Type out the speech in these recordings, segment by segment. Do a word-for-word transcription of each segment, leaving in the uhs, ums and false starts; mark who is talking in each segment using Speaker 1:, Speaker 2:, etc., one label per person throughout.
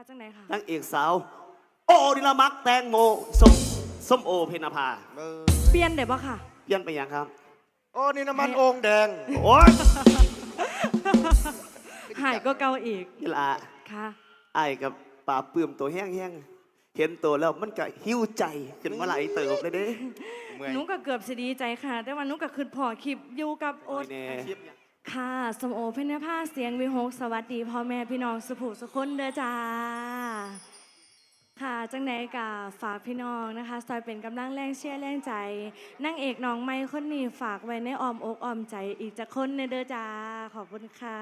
Speaker 1: จังไหนค่ะ
Speaker 2: นางเอกสาวโอ้ดิลามักแตงโมส้มส้มโอเพนภา
Speaker 1: เปลี่ยนเดี๋ยวบ่ค่ะ
Speaker 2: เปลี่ยนไปยังครับ
Speaker 3: โอ้นี่น้ำมันโอ่งแดง
Speaker 2: โอ้ย
Speaker 1: หายก็เกาอีก
Speaker 2: นี่ละ
Speaker 1: ค่ะ
Speaker 2: ไอ้กับป่าเปื่มตัวแห้งๆเห็นตัวแล้วมันก็หิ้วใจขึ้นมาไหลเติบเลยเด้
Speaker 1: หนูก็เกือบสิดีใจค่ะแต่ว่าหนูก็คือพอคลิปอยู่กับโอ๊ตค่ะสมโอเพนภาเสียงวิหกสวัสดีพ่อแม่พี่น้องสุภูสุคนเด้อจ้าค่ะจังไหนกับฝากพี่น้องนะคะซอยเป็นกำลังแรงเชียร์แรงใจนางเอกน้องไม้คนนี้ฝากไว้ในอ้อมอกอ้อมใจอีกจะคนเด้อจ้าขอบคุณค่ะ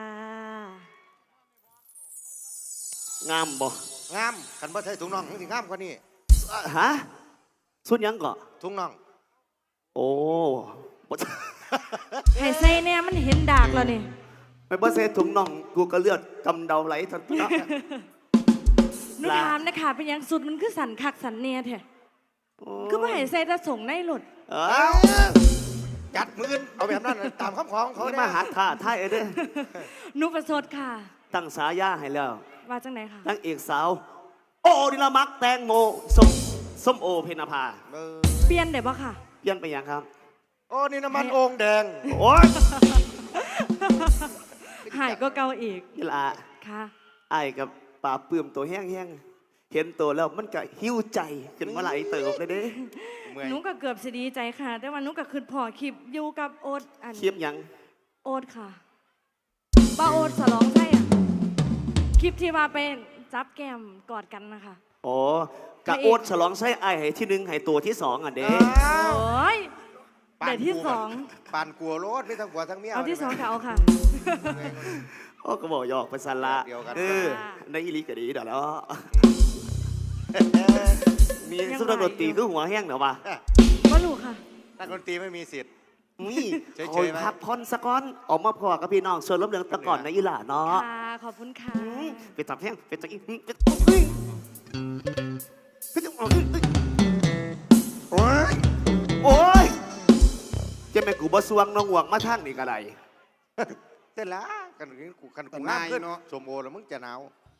Speaker 2: งามบ่
Speaker 3: งามขันบ่ใช่ถุงน่องถึงงามกว่านี้
Speaker 2: ฮะสุดยังก่อ
Speaker 3: ถุงน่อง
Speaker 2: โอ้
Speaker 1: ให้ใส่เนี่ยมันเห็นดากแล้วนี่
Speaker 2: ไม่บ่ใส่ถุงน่องกูก็เลือดกำเดาไหลทันที
Speaker 1: หนูถามนะคะเป็นยังสุดมันคือสันคักสันเนียแท้คือว่าให้ใส่จะส่งในหลุด
Speaker 3: จัดมือเอาแบบนั้นตามคำของเขา
Speaker 2: เนี่ยมาหาท่าท่ายเด้
Speaker 1: หนูประสดค่ะ
Speaker 2: ตั้งสายาให้แล้ว
Speaker 1: ว่าจังไหนคะ
Speaker 2: นางเอกสาวโอ้ดิลามักแตงโมส้มส้มโอเพนภา
Speaker 1: เปลี่ยนเดี๋ยวบ่ค่ะ
Speaker 2: เปลี่ยนไปยังครับ
Speaker 3: โอ้นี่น้ำมันโอ่งแดง
Speaker 2: โอ้ย
Speaker 1: หายก็เกาอีก
Speaker 2: นี่ละ
Speaker 1: ค่ะ
Speaker 2: ไอ้กับป่าเปื่มตัวแห้งๆเห็นตัวแล้วมันก็หิ้วใจขึ้นมาไหลเติบเลยเด้
Speaker 1: หนูก็เกือบสิดีใจค่ะแต่ว่าหนูก็คือพอคลิปอยู่กับโอ๊ตอัน
Speaker 2: คลิปยัง
Speaker 1: โอ๊ตค่ะป้าโอ๊ตสลองใช่อ่ะคลิปที่ว่าเป็นจับแก้มกอดกันนะคะ
Speaker 2: อ๋อกะโอ๊ตฉลองใช้ไอ้ให้ที่หนึ่งให้ตัวที่สองอ่ะเด้
Speaker 1: โอ้ยเดี๋ยวที่สอง
Speaker 3: ปานกลัวรถไม่ทั้งกลัวทั้งเมีย
Speaker 1: เอาที่สองค่ะเอาค่ะ
Speaker 2: โอ้ก็บอกหยอกไปสันละเออในอีลีก็ดีเดี๋ยวแล้วมีสุดดนตรีคือหัวแห้งเดี๋ยวมา
Speaker 1: ก็รู้ค่ะ
Speaker 3: นักดนตรีไม่มีสิทธิ์
Speaker 2: นี่คอยพักพอนสะก้อนออกมาพอกับพี่น้องส่วนล้มเลืองตะก่อนในอีหล่าเนาะ
Speaker 1: ค่ะขอบคุณค่ะ
Speaker 2: ไปตับแห้งไปตับอีกไปโอ้ยโอ้ยจะแม่กูบ่สวงน้องหวงมาทางนี่ก็ได้
Speaker 3: เต้นละกันกูกันกูงามขึ้นสมโอแล้วมึงจะหนาว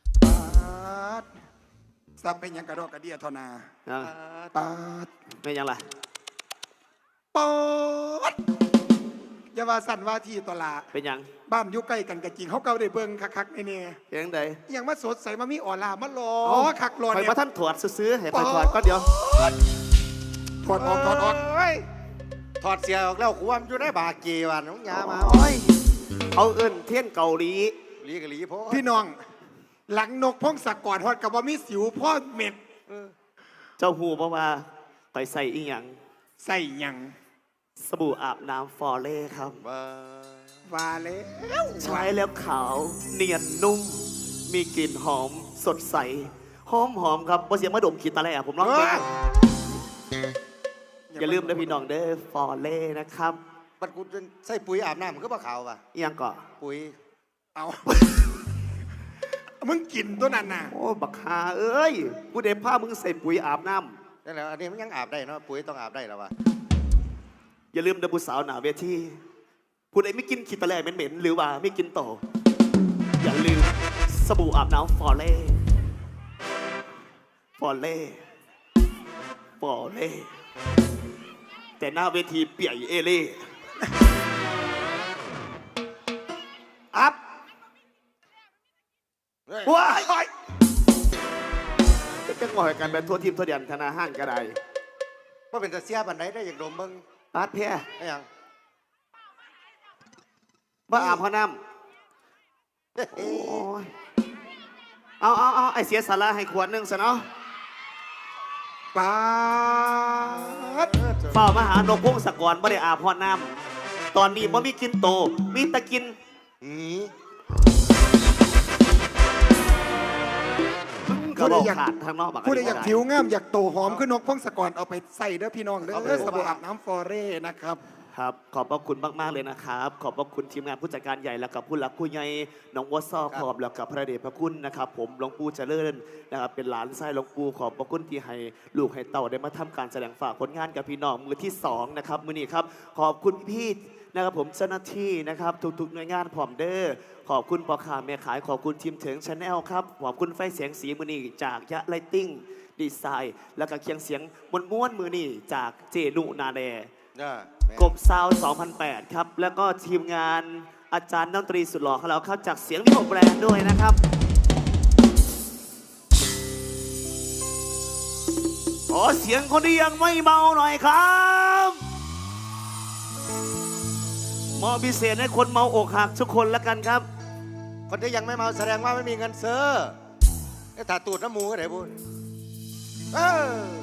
Speaker 4: ซับเป็นยังกระโดดกระเดียทนา
Speaker 2: ปาดไม่ยังล่ะ
Speaker 4: ปอดอย่าว่าสั่นว่าที่ตลาด
Speaker 2: เป็นยัง
Speaker 4: บ้านอยู่ใกล้กันกับจริงเขาเก่าได้เบิ่งคักๆในนี่
Speaker 2: ยังไง
Speaker 4: ยังมาสดใสมามีอ่อลามาหล่อคักหล่อ
Speaker 2: เนี่ยไปมาท่านถอดซื้อให้ไปถอดก็เดี๋ยว
Speaker 4: ถอดออกถอดออก
Speaker 3: ถอดเสียออกแล้วความอยู่ในบาเกวันน้องยามา
Speaker 2: เอาเอิ้นเทียนเกาหลี
Speaker 3: ลีกะลีพ่อ
Speaker 4: พี่น้องหลังนกพงศกรฮอดกับว่ามีสิวพ่อเม็ด
Speaker 2: เจ้าหูเพราะว่าไปใส่อีหยัง
Speaker 4: ใส่หยัง
Speaker 2: สบู่อาบน้ำฟอเล่ครับ
Speaker 4: วาเล่
Speaker 2: ใช้แล้วขาวเนียนนุ่มมีกลิ่นหอมสดใสหอมหอมครับเพราะเสียงมะดมขีดตะแหล่ผมร้องเพลงอย่าลืมนะพี่น้องเด้อฟอเล่นะครับ
Speaker 3: บัดกูใส่ปุ๋ยอาบน้ำมันก็บ่ขาวป่ะ
Speaker 2: ยังก่อ
Speaker 3: ปุ๋ย
Speaker 4: เอามึงกินตัวนั้นน่ะ
Speaker 2: โอ้บักฮาเอ้ยกูเด็บผ้ามึงใส่ปุ๋ยอาบน้
Speaker 3: ำนั่นแหละอันนี้มันยังอาบได้เนาะปุ๋ยต้องอาบได้แล้ววะ
Speaker 2: อย่าลืมเดบุสาวหนาเวทีผู้ใดไม่กินขีดตะแหล่เหม็นๆหรือว่าไม่กินต่ออย่าลืมสบู่อาบน้ำฟอเล่ฟอเล่ฟอเล่แต่หน้าเวทีเปียกเอเล่อัพว้ายจะงอยกันแบบทั่วทีมทั่วเดียนธนาห้างกระได
Speaker 3: ว่าเป็นตะเสียบันไดได้อย่างดมมึง
Speaker 2: อาร์ตเพีย
Speaker 3: ไอ้ยัง
Speaker 2: บ้าอาบพน้ำโอ้ยเอาเอาเอาไอเสียสาระให้ขวดหนึ่งซะเนาะ
Speaker 4: ป้า
Speaker 2: เฝ้ามหานกพงศกรไม่ได้อาบพอน้ำตอนนี้บ่มีกินโตมีตะกิน
Speaker 4: ผู้ใดอยากผู้ใดอยากผิวงามอยากโตหอมขึ้นนกพงศกรเอาไปใส่เด้อพี่น้องเด้อสบู่อาบน้ำฟอเร่นะครับ
Speaker 2: ครับขอบพระคุณมากๆเลยนะครับ ขอบพระคุณทีมงานผู้จัดการใหญ่แล้วกับผู้หลักผู้ใหญ่น้องวอซอขอบแล้วกับพระเดชพระคุณนะครับ ผมหลวงปู่เจริญนะครับเป็นหลานไส้หลวงปู่ขอบพระคุณที่ให้ลูกให้เต่าได้มาทำการแสดงฝากผลงานกับพี่น้องมือที่สองนะครับมือนี้ครับขอบคุณพี่ๆนะครับผมเจ้าหน้าที่นะครับทุกๆหน่วยงานพร้อมเด้อขอบคุณพ่อค้าแม่ขายขอบคุณทีมเถิงชาแนลครับขอบคุณไฟเสียงสีมือนี้จากยะไลติ้งดีไซน์แล้วก็เคียงเสียงม้วนๆมือนี้จากเจนุนาแด กบซาวสองพันแปดครับ แล้วก็ทีมงานอาจารย์ดนตรีสุดหล่อของเราเข้าจากเสียงวิหกแบรนด์ด้วยนะครับ ขอเสียงคนที่ยังไม่เมาหน่อยครับมอบพิเศษให้คนเมาอกหักทุกคนแล้วกันครับ
Speaker 3: คนที่ยังไม่เมาแสดงว่าไม่มีเงินซื้อไอ้ถาตูดน้ำหมูก็ได้พูดเออ